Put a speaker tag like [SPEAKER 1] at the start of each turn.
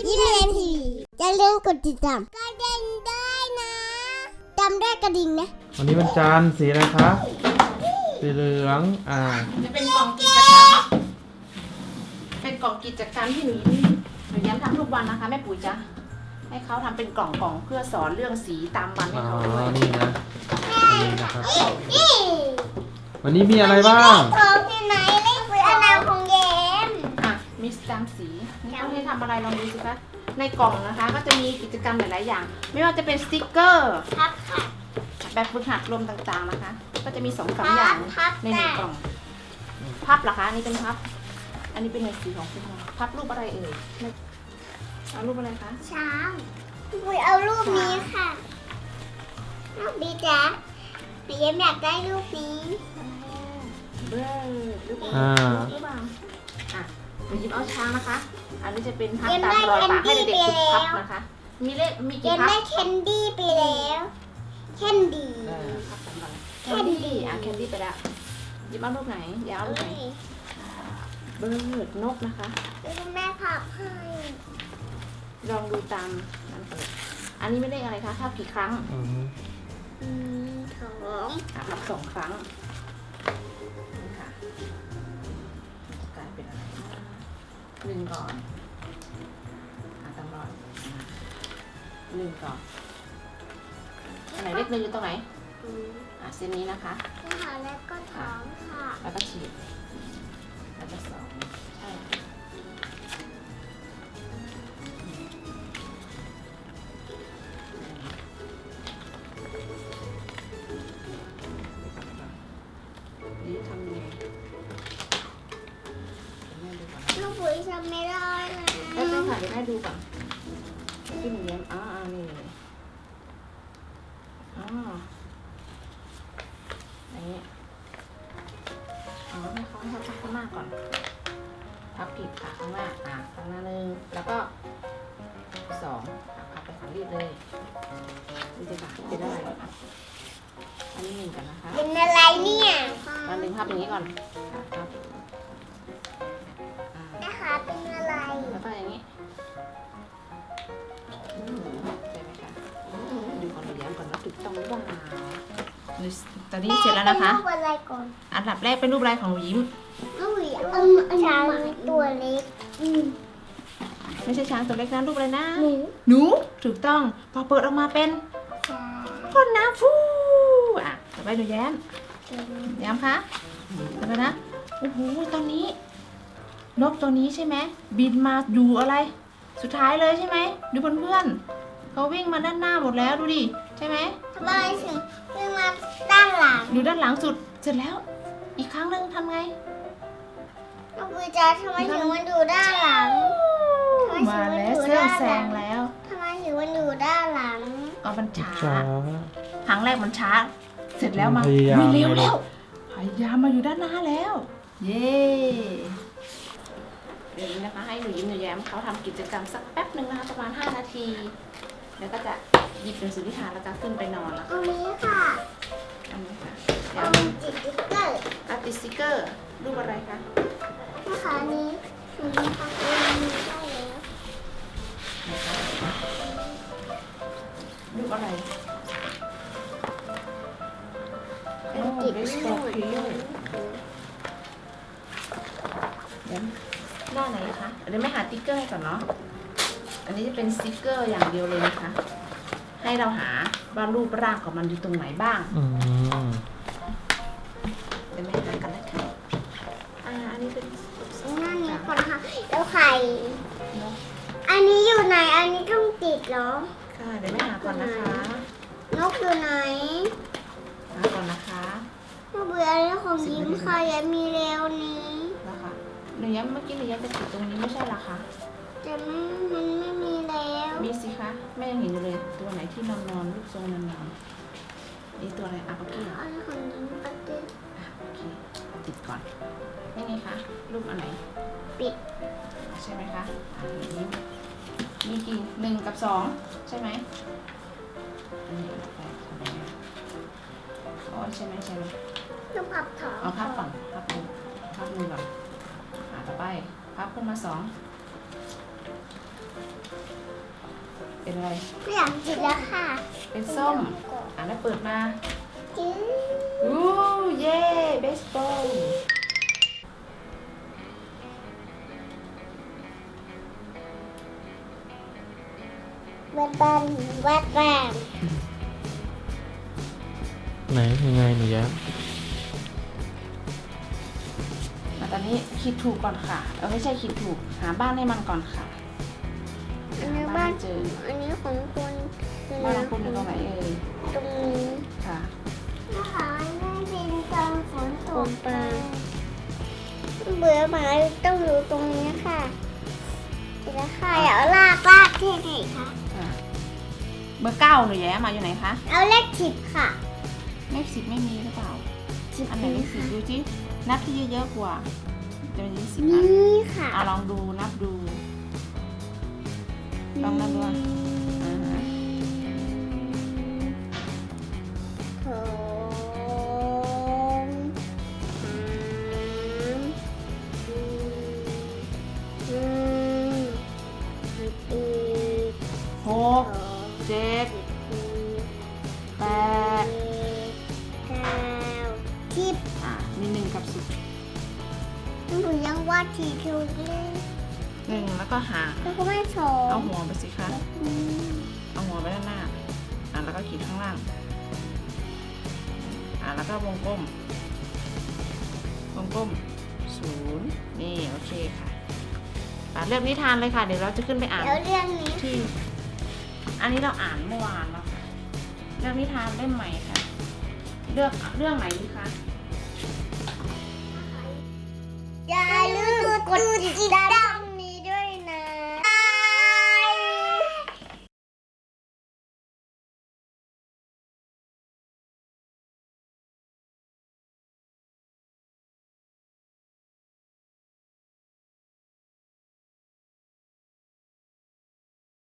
[SPEAKER 1] ยิ้มเรียนทีวีอย่าลืมกดติดตามกระดิ่งด้วยนะจำได้กระดิ่งนะ
[SPEAKER 2] วันนี้วันจันทร์สีอะไรคะสีเหลือง
[SPEAKER 3] จะเป็นกล่องกิจกรรมเป็นกล่องกิจกรรมที่หนูย้ำทำทุกวันนะคะแม่ปุ๋ยจะให้เขาทำเป็นกล่องเพื่อสอนเรื่องสีตามวันให้เขาด้วย
[SPEAKER 2] นี่นะนี่นะครับวันนี้มีอะไรบ้าง
[SPEAKER 1] ของที่ไหนเล่นคืออนามของแยม
[SPEAKER 3] มีสแตมป์สีนี่เขาให้ทำอะไรลองดูสิคะในกล่องนะคะก็จะมีกิจกรรมหลายๆอย่างไม่ว่าจะเป็นสติกเกอร์แบบฝึกหัดลมต่างๆนะคะก็จะมี2-3อย่างในหนึ่งกล่องพับเหรอคะอันนี้เป็นพับอันนี้เป็นสีของคุณพับรูปอะไรเอ่ยเอารูปอะไรคะ
[SPEAKER 1] ช้างปุยเอารูปนี้ค่ะรูปนี้จ้ะหนูยังอยากได้รูปนี้
[SPEAKER 3] เบอร์รูปเปล่าหนูหยิบเอาช้างนะคะอันนี้จะเป็นพับตามรอยปากให้เด็กๆฝึกพับนะคะมีเลขมีกี่พับ
[SPEAKER 1] ได้แคนดี้ไปแล้วแคนดี้
[SPEAKER 3] พับตามรอยแคนดี้ไปแล้วหยิบเอารูปไหนอย่าเอารูปไหนเบิร์ดนกนะคะ
[SPEAKER 1] คุณแม่พับให้
[SPEAKER 3] ลองดูตามนั้นเลยอันนี้ไม่ได้อะไรคะพับกี่ครั้งพับ2 ครั้งนี่ค่ะกลายเป็นอะไร1 ก่อนตามรอย1 ก่อนอันไหนเลข 1อยู่ตรงไหนเส้นนี้นะคะ
[SPEAKER 1] แล้วก็ท้องค่ะ
[SPEAKER 3] แล้วก็ฉีดแล้วก็2ใช่นี่ทำยังไง
[SPEAKER 1] ลูกปุ๋ยทำไม่ได้นะ
[SPEAKER 3] ได้ค่ะเดี๋ยวแม่ดูก่อนที่หนูเลี้ยงนี่อย่างนี้ให้เขาพับข้างหน้าก่อนพับผิดค่ะข้างหน้าข้างหน้า1แล้วก็2พับไปฝั่งรีบเลยนี่จะเป็นอะไรอันนี้1กันนะคะ
[SPEAKER 1] เป็นอะไรเนี่ย
[SPEAKER 3] ตอน1พับอย่างนี้ก่อนพับ
[SPEAKER 1] นะคะเป็นอะไร
[SPEAKER 3] แล้วก็อย่างนี้ใช่ไหมคะดูก่อนดูย้ำก่อนว่าถูกต้องหรือเปล่าตอนนี้เสร็จแล้วนะคะ
[SPEAKER 1] รูปอะไรก่อน
[SPEAKER 3] อันดับแรกเป็นรูปอะไรของหนูยิ้ม
[SPEAKER 1] รูปช้างตัวเล็ก
[SPEAKER 3] ไม่ใช่ช้างตัวเล็กนะรูปอะไรนะหนูถูกต้องพอเปิดออกมาเป็นพ่นน้ำฟูต่อไปดูแย้มคะต่อไปนะโอ้โหตอนนี้นกตัวนี้ใช่ไหมบินมาอยู่อะไรสุดท้ายเลยใช่ไหมดูเพื่อนๆเขาวิ่งมาด้านหน้าหมดแล้วดูดิใช่ไหม
[SPEAKER 1] ทำไมถึงวิ่งมาด้านหลัง
[SPEAKER 3] อยู่ด้านหลังสุดเสร็จแล้วอีกครั้งหนึ่งทำไง
[SPEAKER 1] น้องปุยจ๋าทำไมถึงมันอยู่ด้านหลัง
[SPEAKER 3] มาแล้วเสื้อแซงแล้ว
[SPEAKER 1] ทำไมถึงมันอยู่ด้านหลัง
[SPEAKER 3] มันช้าครั้งแรกมันช้าเสร็จแล้วมาวิ่งเร็วแล้วพยายามมาอยู่ด้านหน้าแล้วเย้เดี๋ยวนี้นะคะให้หนูยิ้มหนูแย้มเขาทำกิจกรรมสักแป๊บหนึ่งนะคะประมาณ5 นาทีแล้วก็จะหยิบหนังสือนิทานแล้วก็ขึ้นไปนอนแล้ว
[SPEAKER 1] อันนี้ค่ะ
[SPEAKER 3] อันนี้ค่ะ
[SPEAKER 1] ติดสติ๊กเกอร์
[SPEAKER 3] ติดสติ๊กเกอร์รูปอะไรคะ
[SPEAKER 1] นะคะนี้ถึงทำเองได้แล้ว
[SPEAKER 3] รูปอะไร
[SPEAKER 1] ติดสติ๊กเกอร์
[SPEAKER 3] หน้าไหนคะเดี๋ยวไม่หาติ๊กเกอร์ก่อนเนาะอันนี้จะเป็นสติ๊กเกอร์อย่างเดียวเลยนะคะให้เราหาว่ารูปร่างของมันอยู่ตรงไหนบ้างเดี๋ยวไม่หากันนะคะอันนี้เป็น
[SPEAKER 1] หน้านี้ก่อนนะคะแล้วไข่อันนี้อยู่ไหนอันนี้ต้องติดเหรอ
[SPEAKER 3] ค่ะเดี๋ยวไม่หาก่อนนะคะ
[SPEAKER 1] นกอยู่ไหน
[SPEAKER 3] หาก่อนนะคะ
[SPEAKER 1] เบื่อเรื่องของยิ้มค่ะยังมีเร็วนี้
[SPEAKER 3] นะคะหนูย้ำเมื่อกี้หนูย้ำจะติดตรงนี้ไม่ใช่หรอคะ
[SPEAKER 1] แต่มันไม่มีแล้ว
[SPEAKER 3] มีสิคะแม่ยังเห็นอยู่เลยตัวไหนที่นอนรูปทรงนอนนี่ตัวอะไรโอเค
[SPEAKER 1] อันของยิ้มก็ติด
[SPEAKER 3] โอเคติดก่อนนี่ไงคะรูปอันไหน
[SPEAKER 1] ปิด
[SPEAKER 3] ใช่ไหมคะนี้มีกี่1 กับ 2ใช่ไหมอันนี้ไปทำไมใช่ไหม
[SPEAKER 1] ต้องพับถอน
[SPEAKER 3] พับก่อนพับมือก่อนต่อไปพับขึ้นมา2 เป็นอะไร
[SPEAKER 1] ไม่อยากกินแล้วค่ะ
[SPEAKER 3] เป็นส้มแล้วเปิดมา
[SPEAKER 1] จื้อ
[SPEAKER 3] อู้เย่เบสบอล
[SPEAKER 1] วัดบ้านวัดบ้าน
[SPEAKER 2] ไหนยังไงหนูแย้ม
[SPEAKER 3] ตอนนี้คิดถูกก่อนค่ะไม่ใช่คิดถูกหาบ้านให้มันก่อนค่ะ
[SPEAKER 1] อันนี้
[SPEAKER 3] หา
[SPEAKER 1] บ้าน
[SPEAKER 3] ให้เจอ
[SPEAKER 1] อันนี้ของคุณ
[SPEAKER 3] บ้านของคุณอยู่ตรงไหนเอ่ย
[SPEAKER 1] ตรงนี้
[SPEAKER 3] ค่ะ
[SPEAKER 1] นะคะไม่เป็นตอนฝนตกไปเบื่อหมาต้องอยู่ตรงนี้ค่ะเดี๋ยวค่ะอยากเอาลากที่ไหนคะ
[SPEAKER 3] เบอร์ 9หนูแย้มาอยู่ไหนคะ
[SPEAKER 1] เอาเลข10ค่ะ
[SPEAKER 3] เลข 10ไม่มีหรือเปล่า
[SPEAKER 1] 10
[SPEAKER 3] อันไหนเลข10ดูจินับที่เยอะๆกว่าจะมี10อัน
[SPEAKER 1] นี่ค่ะ
[SPEAKER 3] ลองดูนับดู ลองนับดูอ่าฮะ
[SPEAKER 1] สองสามสี่
[SPEAKER 3] หกเจ็ดแปด
[SPEAKER 1] 9 10
[SPEAKER 3] มี1กับ10
[SPEAKER 1] หนูยังวาดทีคิวเลย
[SPEAKER 3] 1แล้วก็หา
[SPEAKER 1] แล้วก็ไม่สอ
[SPEAKER 3] เอา
[SPEAKER 1] ง
[SPEAKER 3] หัวไปสิคะเอาหัวไปด้านหน้าแล้วก็ขีดข้างล่างแล้วก็วงกลม0นี่โอเคค่ะเลือกนิทานเลยค่ะเดี๋ยวเราจะขึ้นไปอ่าน
[SPEAKER 1] แล้วเรื่องนี้
[SPEAKER 3] ที่อันนี้เราอ่านเมื่อวานแล้วค่ะเรื่องนิทานเล่มใหม่ค่ะเลือกเรื่องไหนดีคะ
[SPEAKER 1] อย่าลืมกดติดตาม